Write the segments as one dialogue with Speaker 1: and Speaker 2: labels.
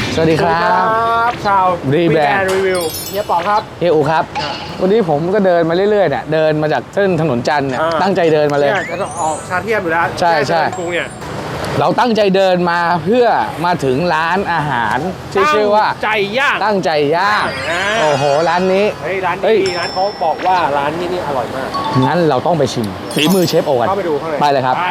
Speaker 1: สวัสดีครับ
Speaker 2: ชาว
Speaker 1: รีแบรนด์
Speaker 2: รีวิวเฮียป๋องครับ
Speaker 1: เฮียอูครับ วันนี้ผมก็เดินมาเรื่อยๆเนี่ยเดินมาจากเส้นถนนจันทร์เนี่ยตั้งใจเดินมาเลย
Speaker 2: จะต้องออกชาเทียมอยู่แล้ว
Speaker 1: ใช่ใช่
Speaker 2: กรุงเนี่ย
Speaker 1: เราตั้งใจเดินมาเพื่อมาถึงร้านอาหารที่ชื่อว่า
Speaker 2: ใจย่าง
Speaker 1: ตั้งใจย่าง
Speaker 2: อ่า
Speaker 1: โอ้โหร้านนี้
Speaker 2: เฮ้ยร้าน
Speaker 1: เฮ้ย
Speaker 2: นี้ร้านเขาบอกว่าร้านนี้นี่อร่อยมาก
Speaker 1: งั้นเราต้องไปชิมฝีมือเชฟโอกัน
Speaker 2: เข้าไปดูข้างใน
Speaker 1: ไปเลยครับ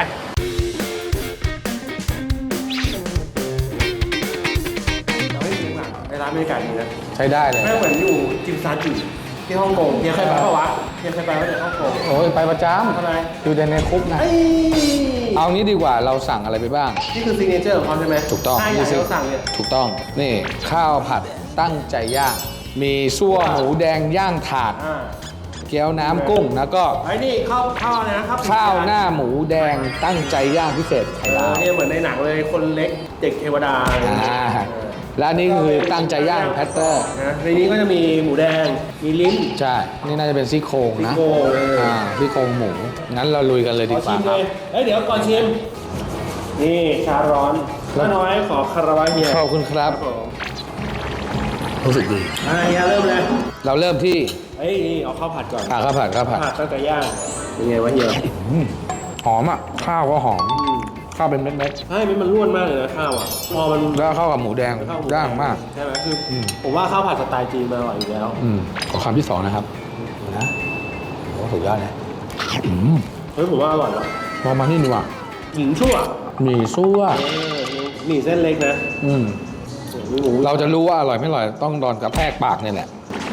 Speaker 2: เราให้ดูหนังในร้านบรรยากาศดีนะ
Speaker 1: ใช้ได้เลย
Speaker 2: แม่งเหมือนอยู่จิมซาจิที่ฮ่องกงเฮียเคยไปปะวะเฮียเคยไปไหมเนี่ยฮ่องกง
Speaker 1: โอ้ยไปประจ
Speaker 2: ทำไม
Speaker 1: ำอยู่แต่ในคุกนะ
Speaker 2: เอ้ย
Speaker 1: เอางี้ดีกว่าเราสั่งอะไรไปบ้าง
Speaker 2: นี่คือซิกเนเจอร์ของเขาใช่ไหม
Speaker 1: ถูกต้อง
Speaker 2: ใช่อย่างที่เราสั่งเนี่ย
Speaker 1: ถูกต้องนี่ข้าวผัดตั้งใจย่างมีซั่วหมูแดงย่างถาด
Speaker 2: อ่า
Speaker 1: เกี๊ยวน้ำกุ้งแล้วก็
Speaker 2: ไอ้นี่ข้าวอะไรนะครับ
Speaker 1: ข้าวหน้าหมูแดงตั้งใจย่างพิเศษไข่ดาว
Speaker 2: เนี่ยเหมือนในหนังเลยคนเล็กเด็กเทวดาอะไรอย่างเงี้ย
Speaker 1: และอันนี่คือตั้งใจย่างแพตเตอร์
Speaker 2: นะในนี้ก็จะมีหมูแดงมีลิ้น
Speaker 1: ใช่ นี่น่าจะเป็นซี่โครงนะ
Speaker 2: ซี่โครงเลย
Speaker 1: ซี่โครงหมู งั้นเราลุยกันเลย
Speaker 2: ข
Speaker 1: ดี
Speaker 2: อก
Speaker 1: ว่า
Speaker 2: ชิม
Speaker 1: ค
Speaker 2: เล
Speaker 1: รับ
Speaker 2: ยเอ้ยเดี๋ยวก่อนชิมนี่ชาร้อนป้าน้อยขอคาราวะเฮีย
Speaker 1: ขอบคุณครับ
Speaker 2: ผม
Speaker 1: รู้สึกดี
Speaker 2: เฮียเริ่มเลย
Speaker 1: เราเริ่มที่
Speaker 2: เฮ้ยนี่เอาข้าวผัดก่อน
Speaker 1: ข้าวผัด
Speaker 2: ข้าวผัดตั้งแต่ย่างเป็นไงวะเฮีย
Speaker 1: หอมอ่ะ ข้าวก็หอม ข้าวเป็นเม็ด
Speaker 2: ใช่มันร่วนมากเลยนะข้าวอ่ะพอมัน
Speaker 1: ๆแล้วเข้ากับหมูแดง
Speaker 2: เข้ห
Speaker 1: ย่างมาก
Speaker 2: ใช่ไหมคืออผมว่าข้าวผัดสไตล์จีนมันอร่อยอยู่แล้ว
Speaker 1: ขอคำที่สองนะครับนะโอ้สุดยอดนะอืม
Speaker 2: เฮ้ยผมว่าอร่อยว่ะ
Speaker 1: พอมานี่ดีกว่า
Speaker 2: หญิงชั่ว
Speaker 1: หมี่ซั่ว
Speaker 2: หมี่เส้นเล็กนะ
Speaker 1: อืม
Speaker 2: มีหมู
Speaker 1: เราจะรู้ว่าอร่อยไม่อร่อยต้องโดนกระแทกปากเนี่ยแหละ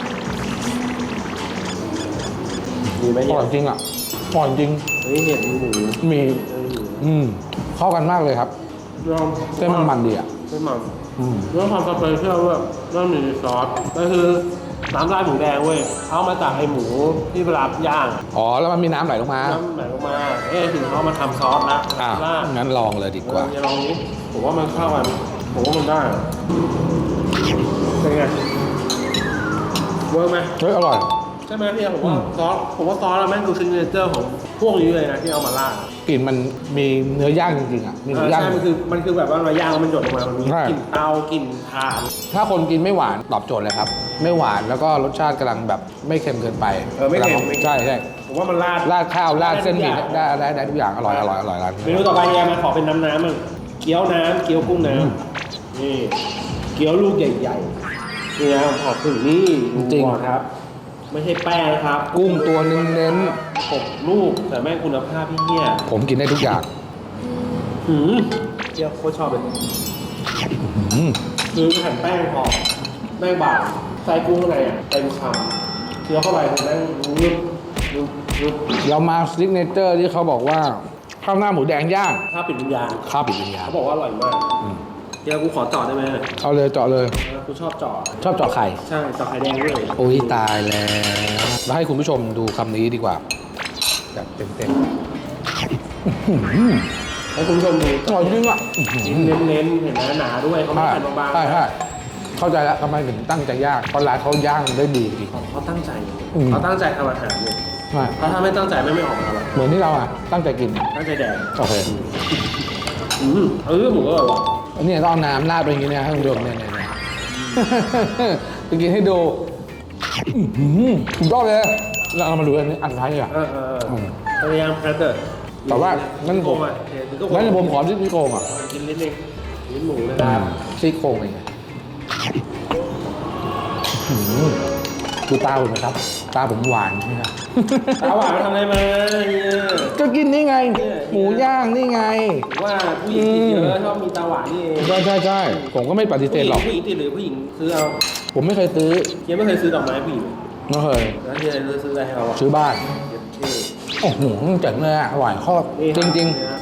Speaker 2: มีไหม
Speaker 1: อ
Speaker 2: เฮีย
Speaker 1: ร่อยจริงอ่ะอร่อยจริง
Speaker 2: เฮ้ยเห็ดมีหมู
Speaker 1: มี
Speaker 2: เออ
Speaker 1: เข้ากันมากเลยครับ
Speaker 2: ลอง
Speaker 1: เส้นมันดีอ่ะ
Speaker 2: เส้นมัน
Speaker 1: อืม
Speaker 2: เรื่องความสเปเชียลด้วยเรื่องมีซอสก็คือน้ำราดหมูแดงเว้ยเขามาจากไอหมูที่เวลาย่าง
Speaker 1: อ๋อแล้วมันมีน้ำไหลลงมา
Speaker 2: น้ำไหลลงมาถึงเขามาทำซอสนะ
Speaker 1: อ่ะ
Speaker 2: ราด
Speaker 1: งั้นลองเลยดีกว่า
Speaker 2: อย่าลองนี้ผมว่ามันเข้ากันผมว่ามันได้เป็นไงเวิร์กไหม
Speaker 1: เฮ้ยอร่อย
Speaker 2: ใช่ไหมพี่ผมว่าซอสผมว่าซอสแม่งคือซิกเนเจอร์ของพวกนี้เลยนะที่เอามาราด
Speaker 1: กลิ่นมันมีเนื้อย่างจริงๆอ่ะมีหมูย่าง
Speaker 2: ใช่มันคือแบบว่าเราย่างแล้วมันหยดลงมามันมี
Speaker 1: ใช่
Speaker 2: กลิ่นเตากลิ่นถ่าน
Speaker 1: ถ้าคนกินไม่หวานตอบโจทย์เลยครับ ไม่หวานแล้วก็รสชาติกำลังแบบไม่เค็มเกินไป
Speaker 2: ไม่เค็ม
Speaker 1: ใช่ใช่
Speaker 2: ผมว่ามันราด
Speaker 1: ราดข้าวราดเส้นหมี่
Speaker 2: ได้
Speaker 1: ได้ทุกอย่างอร่อยร้าน
Speaker 2: เมนูต่อไปเนี่ยมาขอเป็นน้ำมั่งเกี๊ยวน้ำเกี๊ยวกุ้งน้ำนี่เกี๊ยวลูกใหญ่ๆนี่นะขอถึงนี่ดูก่อนครับ ไม่ใช่แป้งนะครับ
Speaker 1: กุ้งตัวเน้น
Speaker 2: 6 ลูกแต่แม่งคุณภาพพี่เหี้ย
Speaker 1: ๆผมกินได้ทุกอย่าง
Speaker 2: เกี๊ยวโคตรชอบเลย
Speaker 1: อืม
Speaker 2: คือแผ่นแป้งพอแป้งบางใส่กุ้งข้างในอ่ะเต็มคำเคี้ยวเข้าไปแม่งรึบรึบ
Speaker 1: เรามาซิกเนเจอร์ที่เขาบอกว่าข้าวหน้าหมูแดงย่าง
Speaker 2: ข้าวปิดวิญญาณ
Speaker 1: ข้าวปิดวิญญาณ
Speaker 2: เขาบอกว่าอร่อยมากเดี๋ยวกูขอจอดได้ไหม
Speaker 1: เอาเลยเจาะเลย
Speaker 2: กูชอบจอด
Speaker 1: ชอบเจาะไข่
Speaker 2: ใช่จอดไข่แดงด้วย
Speaker 1: โอ้ยตายแล้วแล้วให้คุณผู้ชมดูคำนี้ดีกว่าแบบเต็ม
Speaker 2: ให้คุณผู้ชมดู
Speaker 1: ๆอร่อยจริงอ่ะ
Speaker 2: เน้นๆเห็นไหมหนาด้วยเขาไม่
Speaker 1: ใช่
Speaker 2: ใส่บางๆ
Speaker 1: ใช่ใช่เข้าใจแล้วทำไมถึงตั้งใจย่างเพราะร้านเขาย่างได้ดีจริง
Speaker 2: เขาตั้งใจ
Speaker 1: อืม
Speaker 2: เขาตั้งใจทำอาหารเนี่ย
Speaker 1: ใช่
Speaker 2: เพราะถ้าไม่ตั้งใจไม่ออกมาหรอก
Speaker 1: เหมือนที่เราอ่ะตั้งใจกิน
Speaker 2: ตั้งใจแดก
Speaker 1: โอเค
Speaker 2: หมูก็อร่อยว่ะ
Speaker 1: อันนี้ต้องเอาน้ำราดไปอย่างนี้เนี่ยให้คุณผู้ชมเนี่ยไปกินให้ดูสุดยอดเลยเรามาดูอันนี้อันสุดท้ายดีกว่า
Speaker 2: พยายามแพทเตอร์
Speaker 1: แต่ว่างั้นผม งั้นผมขอซี่โครงอ่ะ
Speaker 2: กินนิดนึงลิ้นหมูนะครับ
Speaker 1: ซี่โครงเองดูตาผมนะครับ ตาผมหวานใช่ไหมครับ
Speaker 2: ตาหวานมาทำอะไรมาเนี่ย
Speaker 1: ก็กินนี่ไง หมูย่างนี่ไง
Speaker 2: ว่าผู้หญิงกินเยอะชอบมีตาหวานนี่เอง
Speaker 1: ใช่ผมก็ไม่ปฏิเสธหรอก
Speaker 2: ผู้หญิงติดหรือผู้หญิงซื้อเอา
Speaker 1: ผมไม่เคยซื้อ
Speaker 2: เฮียไม่เคยซื้อดอกไม้ผู้หญิง
Speaker 1: ไม่เคย
Speaker 2: แล้วเฮียซื้ออะไรให้เราอ่ะ
Speaker 1: ซื้อบ้าน
Speaker 2: เย็บเท่
Speaker 1: โอ้โหเจ๋งเลยอ่ะหวานข้อจริงๆ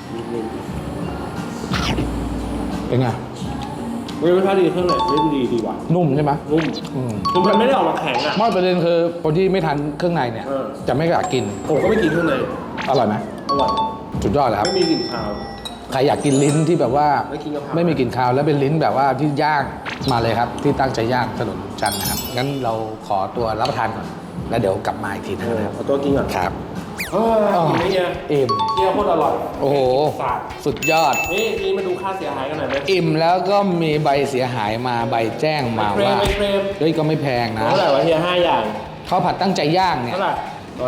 Speaker 1: เป็นไง
Speaker 2: รสชาติดีเครื่องไหนเล่นดีว่ะ
Speaker 1: นุ่มใช่ไหม
Speaker 2: นุ่ม
Speaker 1: อืม
Speaker 2: คือมันไม่ได้ออกมาแข็งอ่ะ
Speaker 1: ไม่ประเด็นคือคนที่ไม่ทานเครื่องในเนี่ย
Speaker 2: เออ
Speaker 1: จะไม่อยากกิน
Speaker 2: ผมก็ไม่กินเครื่องใน
Speaker 1: อร่อยไหม
Speaker 2: อร่อย
Speaker 1: สุดยอดเลยครับ
Speaker 2: ไม่มีกลิ่นคาว
Speaker 1: ใครอยากกินลิ้นที่แบบว่า
Speaker 2: ไม่กินกะเพรา
Speaker 1: ไม่มีกลิ่นคาวแล้วเป็นลิ้นแบบว่าที่ย่างมาเลยครับ ที่ตั้งใจย่างถนนจันทร์นะครับงั้นเราขอตัวรับประทานก่อน แล้วเดี๋ยวกลับมาอีกทีนะครับ
Speaker 2: เอาตัวกินก่อน
Speaker 1: ครับ
Speaker 2: ขเออกินไหมเนี่ย
Speaker 1: อิ่ม
Speaker 2: เกี๊ยวโคตรอร่อย
Speaker 1: โอ้โห
Speaker 2: ฝาด
Speaker 1: สุดยอด
Speaker 2: นี่มาดูค่าเสียหายกันหน่อยไหม
Speaker 1: อิ่มแล้วก็มีใบเสียหายมาใบแจ้งมาว่า
Speaker 2: ไม่เคลม
Speaker 1: เฮ้ยก็ไม่แพงนะ
Speaker 2: เท่าไหร่วะเฮีย5 อย่าง
Speaker 1: ข้าวผัดตั้งใจย่างเนี่ย
Speaker 2: เท่าไหร่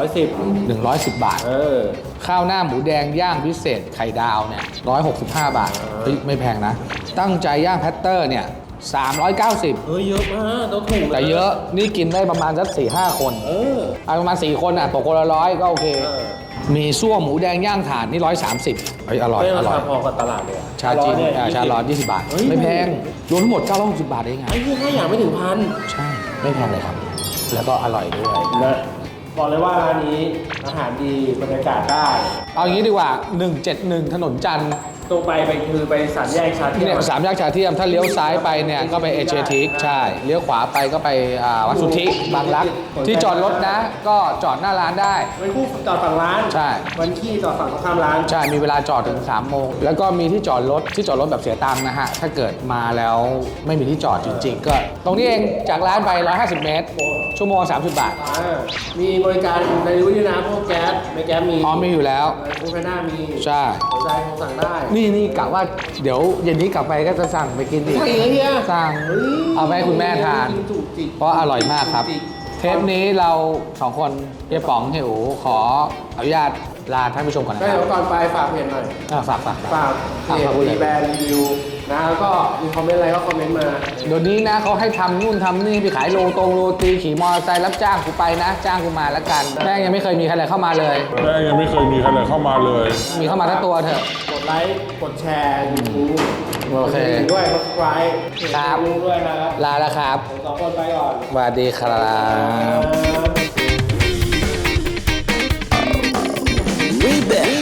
Speaker 2: 110
Speaker 1: 110 บาท
Speaker 2: เออ
Speaker 1: ข้าวหน้าหมูแดงย่างพิเศษไข่ดาวเนี่ย165 บาทเฮ้ยไม่แพงนะ ตั้งใจย่างแพตเตอร์เนี่ย390
Speaker 2: เฮ้ยเยอะมากต้องถูก
Speaker 1: แต่เยอะนี่กินได้ประมาณสัก4-5 คน
Speaker 2: เออ
Speaker 1: เอาประมาณ4 คนอ่ะตกคนละ100ก็โอเค
Speaker 2: เออ
Speaker 1: มีซั่วหมูแดงย่างถ่านนี่130เฮ้ยอร่อย
Speaker 2: ไม่
Speaker 1: อ
Speaker 2: รา
Speaker 1: ร่อ
Speaker 2: คาย พอกับตลาดเลยอะ
Speaker 1: ชาจีน
Speaker 2: เนี่ย
Speaker 1: ชาร้อน20 บาท
Speaker 2: เฮ้ย
Speaker 1: ไม่แพงรวมทั้งหมด960 บาทเองไง
Speaker 2: ไอ้เหี้ย5 อย่างไม่ถึงพัน
Speaker 1: ใช่ ไม่แพงเลยครับ แล้วก็อร่อยด้วย
Speaker 2: นะบอกเลยว่าร้านนี้อาหารดีบรรยากาศได้
Speaker 1: เอาอย่างนี้ดีกว่า 171 ถนนจันทร์
Speaker 2: ตรงไปคือไปสามแยกชาเทีย
Speaker 1: เนี่ย
Speaker 2: ม
Speaker 1: สามแยกชาเทียมถ้าเลี้ยวซ้ายไปเนี่ยก็ไปเอเชียทิกใช่ เลี้ยวขวาไปก็ไปวัดสุทธิบางรัก ที่จอดรถนะ ก็จอดหน้าร้านได้
Speaker 2: วันคู่จอดฝั่งร้าน
Speaker 1: ใช่
Speaker 2: วันขี้จอดฝั่งตรงข้ามร้าน
Speaker 1: ใช่ มีเวลาจอดถึง3 โมง แล้วก็มีที่จอดรถแบบเสียตังค์นะฮะ ถ้าเกิดมาแล้วไม่มีที่จอดจริงๆ ก็ ตรงนี้เองจากร้านไป 150 เมตร ชั่วโมง 30 บาท
Speaker 2: มีบริการในรู้ด้วยนะพวกแก๊สไม่แก๊สมี
Speaker 1: อ๋อมีอยู่แล้ว
Speaker 2: ฟู้ดแพนด้ามี
Speaker 1: ใช่
Speaker 2: หัวใจโทรสั่งได้
Speaker 1: นี่กะว่าเดี๋ยวเย็นนี้กลับไปก็จะสั่งไปกินอีก
Speaker 2: ใช่เหรอเฮีย
Speaker 1: สั่งเอาไปให้คุณแม่ทาน
Speaker 2: จุกจิก
Speaker 1: เพราะอร่อยมากครับ เทปนี้เรา2 คนเฮียป๋องเฮียอูขออนุญาตลาท่านผู้ชมก่อนนะ
Speaker 2: ก็
Speaker 1: ครั
Speaker 2: เดี๋
Speaker 1: บ
Speaker 2: ยวก่อนไปฝากเพจหน่อย
Speaker 1: ฝาก
Speaker 2: ฝากเพจ
Speaker 1: พูดเล
Speaker 2: มี
Speaker 1: ย
Speaker 2: แบรนด์รีวิวนะแล้วก็มีคอมเมนต์อะไรก็คอมเมนต์มา
Speaker 1: เดี๋ยวนี้นะเขาให้ทำนู่นทำนี่ไปขายโรตีขี่มอเตอร์ไซค์รับจ้างกูไปนะ จ้างกูมาแล้วกันแม่งยังไม่เคยมีใครเลยเข้ามาเลย
Speaker 3: แม่ยังไม่เคยมีใครเลยเข้ามาเลย
Speaker 1: มีเข้ามาทั้งตัวเถอะ
Speaker 2: กดไลค์ กดแชร์ YouTube
Speaker 1: โอเค
Speaker 2: กดด้วย subscribe
Speaker 1: ครับ
Speaker 2: ดูด้วยนะครับ
Speaker 1: ลาแล้วครับ
Speaker 2: ผม2 คนไปก่อน
Speaker 1: สวัสดีครับ
Speaker 2: We back